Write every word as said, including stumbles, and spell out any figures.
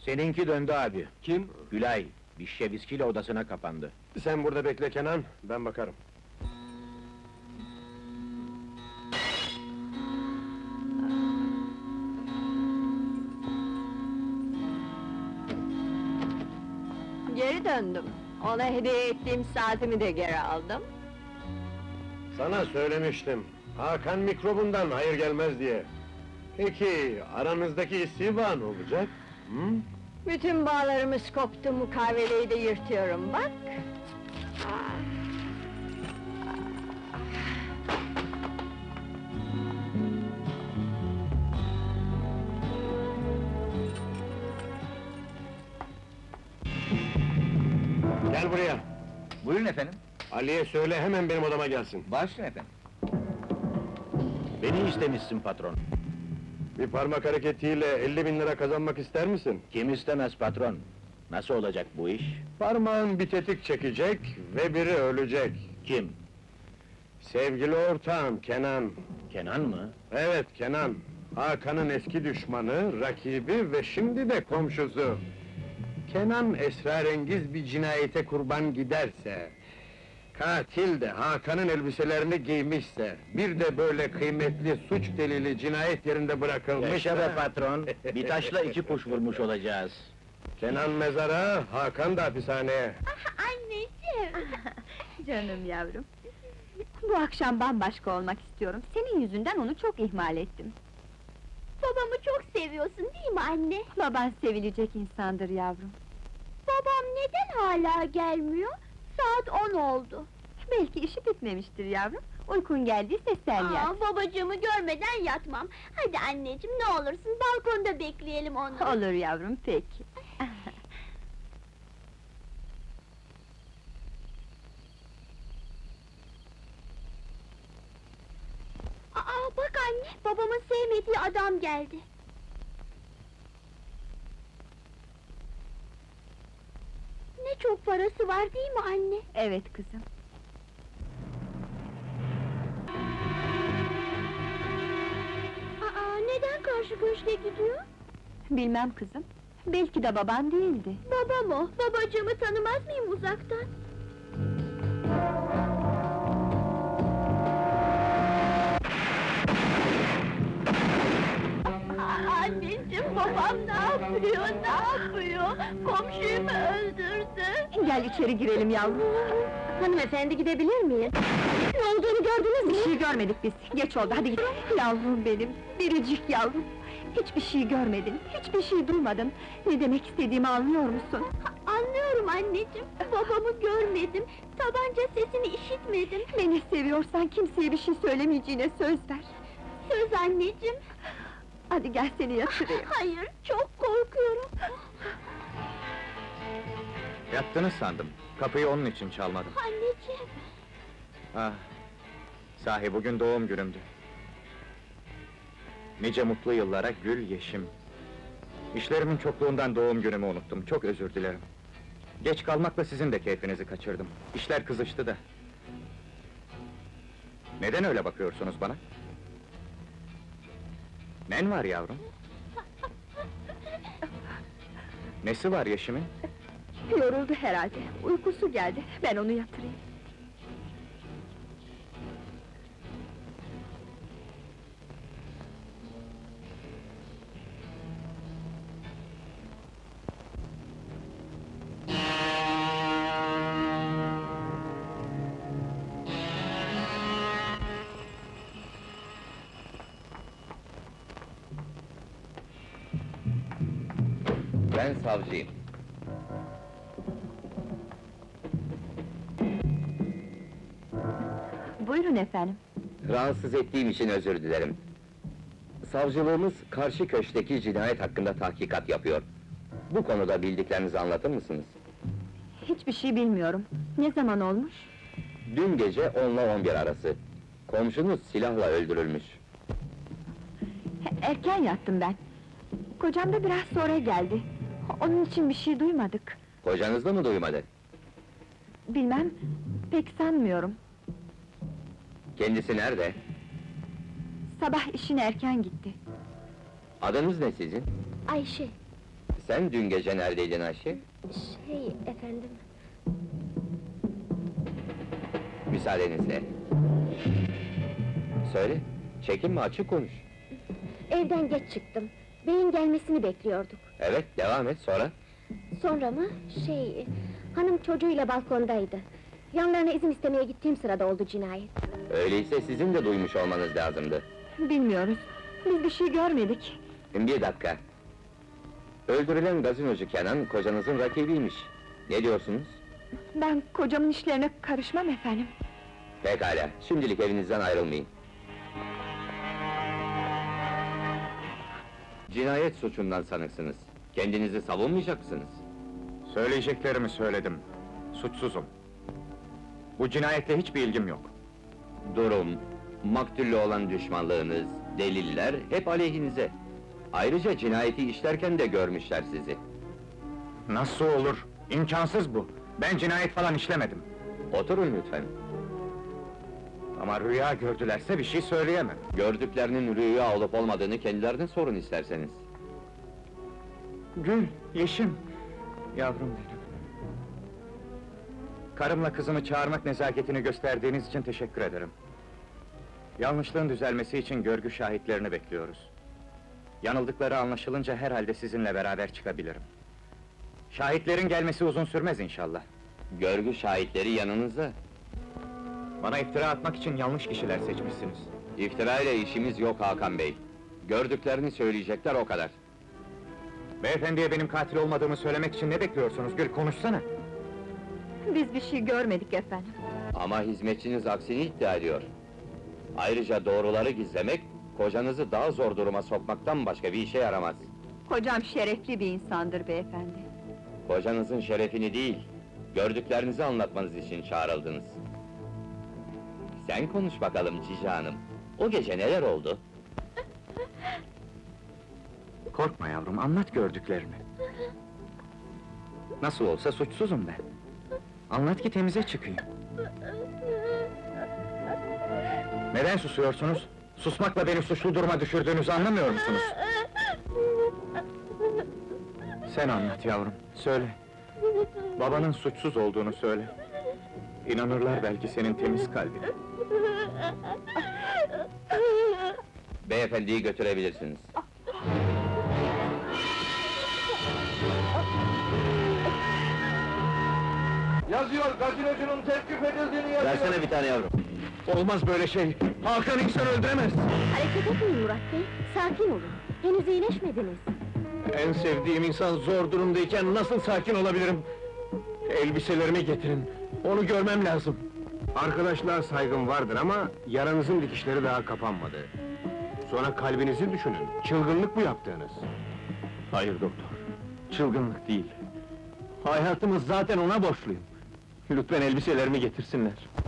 Seninki döndü abi. Kim? Gülay, bir şişe viskiyle odasına kapandı. Sen burada bekle Kenan, ben bakarım. Geri döndüm. Ona hediye ettiğim saatimi de geri aldım. Sana söylemiştim, Hakan mikrobundan hayır gelmez diye. Peki, aranızdaki istiba ne olacak? Hı? Bütün bağlarımız koptu, mukaveleyi de yırtıyorum, bak! Ah. Gel buraya! Buyurun efendim. Ali'ye söyle hemen benim odama gelsin. Başlayın efendim. Beni istemişsin patron. Bir parmak hareketiyle elli bin lira kazanmak ister misin? Kim istemez patron? Nasıl olacak bu iş? Parmağın bir tetik çekecek ve biri ölecek. Kim? Sevgili ortağım Kenan. Kenan mı? Evet Kenan. Hakan'ın eski düşmanı, rakibi ve şimdi de komşusu. Kenan esrarengiz bir cinayete kurban giderse, katil de Hakan'ın elbiselerini giymişse, bir de böyle kıymetli suç delili cinayet yerinde bırakılmış... Yaşa be patron, bir taşla iki kuş vurmuş olacağız. Kenan mezara, Hakan da hapishaneye. Anneciğim! Canım yavrum! Bu akşam bambaşka olmak istiyorum. Senin yüzünden onu çok ihmal ettim. Babamı çok seviyorsun değil mi anne? Baban sevilecek insandır yavrum. Babam neden hala gelmiyor? Saat on oldu. Belki işi bitmemiştir yavrum. Uykun geldiyse sen yat. Aa, babacığımı görmeden yatmam. Hadi anneciğim, ne olursun balkonda bekleyelim onu. Olur yavrum, peki. Aa, bak anne, babamın sevmediği adam geldi. Ne çok parası var değil mi anne? Evet kızım. Aa, neden karşı köşke gidiyor? Bilmem kızım. Belki de baban değildi. Babam o, babacığımı tanımaz mıyım uzaktan? Aa, anneciğim, babam ne yapıyor, ne yapıyor? Komşuyu mu öldürdü? Gel içeri girelim yavrum. Hanımefendi, gidebilir miyim? Ne olduğunu gördünüz mü? Bir şey görmedik biz. Geç oldu, hadi git. Yavrum benim, biricik yavrum. Hiçbir şey görmedin, hiçbir şey duymadın. Ne demek istediğimi anlıyor musun? Anlıyorum anneciğim, babamı görmedim, tabanca sesini işitmedim. Beni seviyorsan kimseye bir şey söylemeyeceğine söz ver. Söz anneciğim. Hadi gel seni yatırayım. Hayır, çok korkuyorum. Yattınız sandım. Kapıyı onun için çalmadım. Anneciğim. Ah! Sahi bugün doğum günümdü. Nice mutlu yıllara gül yeşim. İşlerimin çokluğundan doğum günümü unuttum, çok özür dilerim. Geç kalmakla sizin de keyfinizi kaçırdım. İşler kızıştı da. Neden öyle bakıyorsunuz bana? Nen var yavrum? Nesi var Yeşim'in? Yoruldu herhalde, uykusu geldi. Ben onu yatırayım. Ben savcıyım. Buyurun efendim. Rahatsız ettiğim için özür dilerim. Savcılığımız karşı köşkteki cinayet hakkında tahkikat yapıyor. Bu konuda bildiklerinizi anlatır mısınız? Hiçbir şey bilmiyorum. Ne zaman olmuş? Dün gece onla on bir arası. Komşunuz silahla öldürülmüş. He, erken yattım ben. Kocam da biraz sonra geldi. Onun için bir şey duymadık. Kocanız da mı duymadı? Bilmem, pek sanmıyorum. Kendisi nerede? Sabah işine erken gitti. Adınız ne sizin? Ayşe. Sen dün gece neredeydin Ayşe? Şey efendim, Müsaadenizle. Söyle, çekinme, açık konuş. evden geç çıktım. Bey'in gelmesini bekliyorduk. Evet, devam et, sonra? Sonra mı? Şey, hanım çocuğuyla balkondaydı. Yanlarına izin istemeye gittiğim sırada oldu cinayet. Öyleyse sizin de duymuş olmanız lazımdı. Bilmiyoruz. Biz bir şey görmedik. Bir dakika. Öldürülen gazinocu Kenan, kocanızın rakibiymiş. Ne diyorsunuz? Ben kocamın işlerine karışmam efendim. Pekala, şimdilik evinizden ayrılmayın. Cinayet suçundan sanıksınız. Kendinizi savunmayacak mısınız? Söyleyeceklerimi söyledim. Suçsuzum. Bu cinayetle hiçbir ilgim yok. Durum, maktulle olan düşmanlığınız, deliller hep aleyhinize. Ayrıca cinayeti işlerken de görmüşler sizi. Nasıl olur? İmkansız bu. Ben cinayet falan işlemedim. Oturun lütfen. Ama rüya gördülerse bir şey söyleyemem. Gördüklerinin rüya olup olmadığını kendilerine sorun isterseniz. Gül, Yeşim, yavrum benim. Karımla kızımı çağırmak nezaketini gösterdiğiniz için teşekkür ederim. Yanlışlığın düzelmesi için görgü şahitlerini bekliyoruz. Yanıldıkları anlaşılınca herhalde sizinle beraber çıkabilirim. Şahitlerin gelmesi uzun sürmez inşallah. Görgü şahitleri yanınızda. Bana iftira atmak için yanlış kişiler seçmişsiniz. İftira ile işimiz yok Hakan Bey. Gördüklerini söyleyecekler, o kadar. Beyefendiye benim katil olmadığımı söylemek için ne bekliyorsunuz Gül, konuşsana! Biz bir şey görmedik efendim. Ama hizmetçiniz aksini iddia ediyor. Ayrıca doğruları gizlemek, kocanızı daha zor duruma sokmaktan başka bir işe yaramaz. Kocam şerefli bir insandır beyefendi. Kocanızın şerefini değil, gördüklerinizi anlatmanız için çağrıldınız. Sen konuş bakalım Cici Hanım. O gece neler oldu? Korkma yavrum, anlat gördüklerini. Nasıl olsa suçsuzum ben. Anlat ki temize çıkayım. Neden susuyorsunuz? Susmakla beni suçlu duruma düşürdüğünüzü anlamıyor musunuz? Sen anlat yavrum, söyle. Babanın suçsuz olduğunu söyle. İnanırlar belki senin temiz kalbine. Beyefendiyi götürebilirsiniz. Yazıyor, gazinocunun tevkif edildiğini yazıyor! Versene bir tane yavrum. Olmaz böyle şey! Hakan insan öldüremez! Hareket etmeyin Murat Bey, sakin olun. Henüz iyileşmediniz. En sevdiğim insan zor durumdayken nasıl sakin olabilirim? Elbiselerimi getirin, onu görmem lazım. Arkadaşlığa saygım vardır ama yaranızın dikişleri daha kapanmadı. Sonra kalbinizi düşünün, çılgınlık bu yaptığınız. Hayır doktor, çılgınlık değil. Hayatımız zaten ona borçluyum. Lütfen elbiselerimi getirsinler.